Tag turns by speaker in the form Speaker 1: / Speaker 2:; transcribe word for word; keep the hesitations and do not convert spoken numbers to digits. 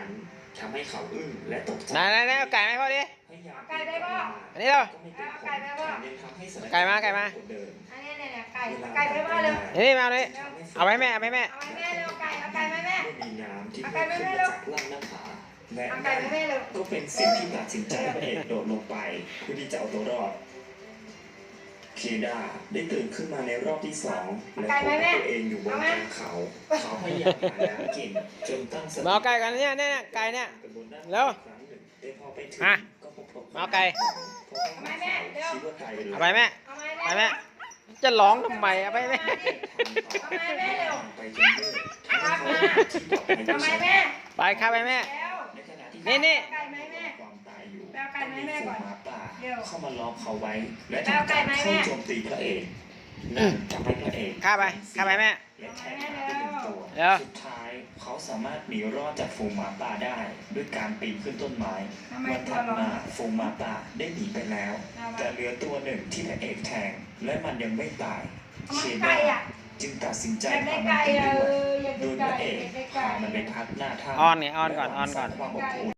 Speaker 1: นั้นทำให้เขาอึ้งและตกใจ
Speaker 2: ไหนไหนไหนเอาไก่ไหมพ่อดิ
Speaker 3: ไก่ได้ป่ะ
Speaker 2: อันนี้เรา
Speaker 3: ไก่ได้ป่ะ
Speaker 2: ไก่มาไก่มา
Speaker 3: อันนี้เนี่ยไก่ไก่ได้ป่ะเร็ว
Speaker 2: นี่มาเลยเอาไว้แม่เอาไว้แม่
Speaker 3: เอาไว้แม่เร็วไก่เอาไก่ไหมแม่
Speaker 1: มีน้ำที่เพิ่มขึ้นจากล่างหน้าผาและก็เป็นสิ่งที่ตัดสินใจพระเอกโดดลงไปเพื่อที่จะเอาตัวรอดเคดาได้ตื่นขึ้นมาในรอบที่สองและพบตัวเองอยู่บนกลางเขาเขาพยายามหาน้ำกินจนตั้งสติ
Speaker 2: มาเอาไก่กันเนี่ยเนี่ยไก่เนี่ยเร็วมามาเอาไก่
Speaker 3: เอาไหมแม่เร็ว
Speaker 2: เอาไปแม่
Speaker 3: เอาไหม
Speaker 2: ไป
Speaker 3: แม่
Speaker 2: แม่จะร้องทำไมเอาไปแม่
Speaker 3: เอาไหมแม่เร็วครับมาเอาไหมแม่
Speaker 2: ไปครับไปแม่
Speaker 3: เร็ว
Speaker 2: นี่นี่
Speaker 3: ไก่ไหมแม่แปลไก่ไหมแม่ก่อนเร็ว
Speaker 1: เข้ามาล้อมเขาไว้และทำการเข้าโจมตีพระเอกนั่นทำให้พระเอก
Speaker 2: ข้าไปข้าไปแม่
Speaker 1: และแทงขาไปหนึ่งตัว
Speaker 2: เร็ว
Speaker 1: สุดท้ายเขาสามารถหนีรอดจากฝูงหมาป่าได้ด้วยการปีนขึ้นต้นไม้วันถัดมาฝูงหมาป่าได้หนีไปแล้ว แต่เหลือตัวหนึ่งที่พระเอกแทงและมันยังไม่ตายเค
Speaker 3: ไก่
Speaker 1: ดา
Speaker 3: อ่ะ
Speaker 1: จึงตัดสินใจ
Speaker 3: อยากได้
Speaker 1: พามัน
Speaker 3: ไก่
Speaker 1: ไป
Speaker 3: เอ
Speaker 1: ด้วย
Speaker 3: ออยาก
Speaker 1: โด
Speaker 3: ได้
Speaker 1: ยพ
Speaker 3: ไก่
Speaker 1: ระเอก
Speaker 3: อยากได้
Speaker 1: พา
Speaker 3: ไก่
Speaker 1: มันไปพักหน้าถ้ำ
Speaker 2: อ้อนเนี่ยอ้อนก่อนอ้อนก่อน
Speaker 1: และหวังสร้างความอบอุ่น